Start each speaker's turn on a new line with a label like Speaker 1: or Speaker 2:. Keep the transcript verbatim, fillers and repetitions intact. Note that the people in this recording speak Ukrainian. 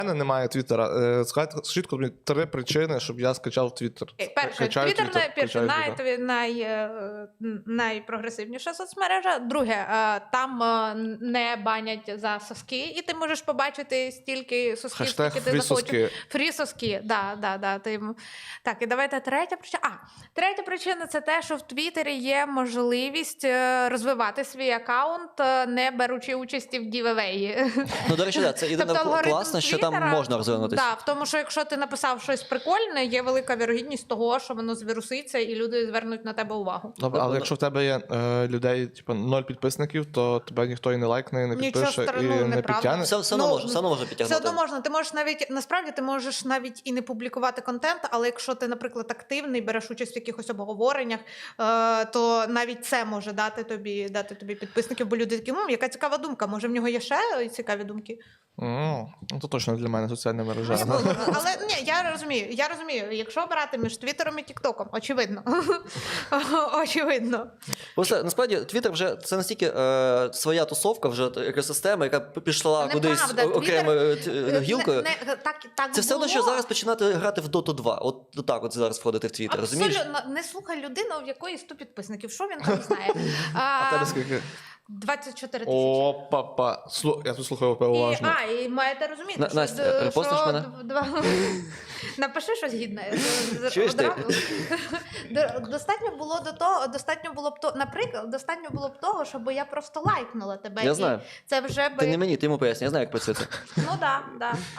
Speaker 1: мене немає Твіттера. Е, Скажіть, скажіть мені три причини, щоб я скачав Твіттер.
Speaker 2: Перше,
Speaker 1: Качаю
Speaker 2: Твіттер
Speaker 1: Твіттер,
Speaker 2: най, перше,
Speaker 1: качаю
Speaker 2: най,
Speaker 1: Твіттер.
Speaker 2: най, е, найпрогресивніша соцмережа. Друге, е, там е, не банять за соски, і ти можеш побачити стільки сосків,
Speaker 1: Хештег
Speaker 2: скільки ти захочеш.
Speaker 1: фрі-соски.
Speaker 2: Фрі-соски, да, да, да. Ти... Так, і давайте третя причина. А, третя причина – це те, що в Твіттері є можливість е, розвивати свій аккаунт, е, не беручи участі в гівевеї.
Speaker 3: Ну, до речі, да, це єдине
Speaker 2: Тобто алгоритм
Speaker 3: класно, що там
Speaker 2: Твіттера-
Speaker 3: можна розвинутися.
Speaker 2: Да, в тому, що якщо ти написав щось прикольне, є велика вірогідність того, що воно звіруситься і люди звернуть на тебе увагу.
Speaker 1: Добре, але
Speaker 3: Воно-
Speaker 1: якщо в тебе є е, людей, типу, ноль підписників, то тебе ніхто і не лайкне, і не
Speaker 2: Нічого
Speaker 1: підпише,
Speaker 2: страшного,
Speaker 1: і не
Speaker 2: неправда.
Speaker 1: підтягне.
Speaker 3: Все, все одно
Speaker 2: Ну,
Speaker 3: може, все одно може
Speaker 2: Все
Speaker 3: підтягнути.
Speaker 2: одно можна. Ти можеш навіть насправді ти можеш навіть і не публікувати контент, але якщо ти, наприклад, активний, береш участь в якихось обговореннях, е, то навіть це може дати тобі дати тобі підписників, бо люди такі, ну яка цікава думка, може в нього є ще цікаві думки.
Speaker 1: М, Ну, то точно для мене соціальна мережа.
Speaker 2: Ну, але ні, я розумію, я розумію, якщо обирати між Твіттером і Тіктоком, очевидно. Очевидно.
Speaker 3: Просто насправді Твіттер вже це настільки е, своя тусовка, вже екосистема, яка пішла
Speaker 2: Неправда,
Speaker 3: кудись
Speaker 2: Твіттер-
Speaker 3: окремою е,
Speaker 2: Не-
Speaker 3: гілкою.
Speaker 2: не- так, так
Speaker 3: Це все одно,
Speaker 2: було.
Speaker 3: що зараз починати грати в Доту два. От так от зараз входити в Твіттер, розумієш?
Speaker 2: Абсолютно. Не слухай людину, в якої сто підписників. Що він там знає?
Speaker 1: А
Speaker 2: А,
Speaker 1: тебе скільки?
Speaker 2: двадцять чотири тисячі.
Speaker 1: О, папа. Слу... Я тут слухаю
Speaker 2: І,
Speaker 1: уважно.
Speaker 2: а, і маєте розуміти,
Speaker 3: На-
Speaker 2: що,
Speaker 3: Настя,
Speaker 2: д-
Speaker 3: репостиш
Speaker 2: що
Speaker 3: мене?
Speaker 2: д- два... Напиши щось гідне. з- з-
Speaker 3: Чуєш ти?
Speaker 2: одразу. До- Достатньо було до того, достатньо було б то, наприклад, достатньо було б того, щоб я просто лайкнула тебе.
Speaker 3: Я
Speaker 2: і
Speaker 3: знаю.
Speaker 2: Це вже би...
Speaker 3: Ти не мені, ти йому поясни, я знаю, як працює це.
Speaker 2: Ну да, да.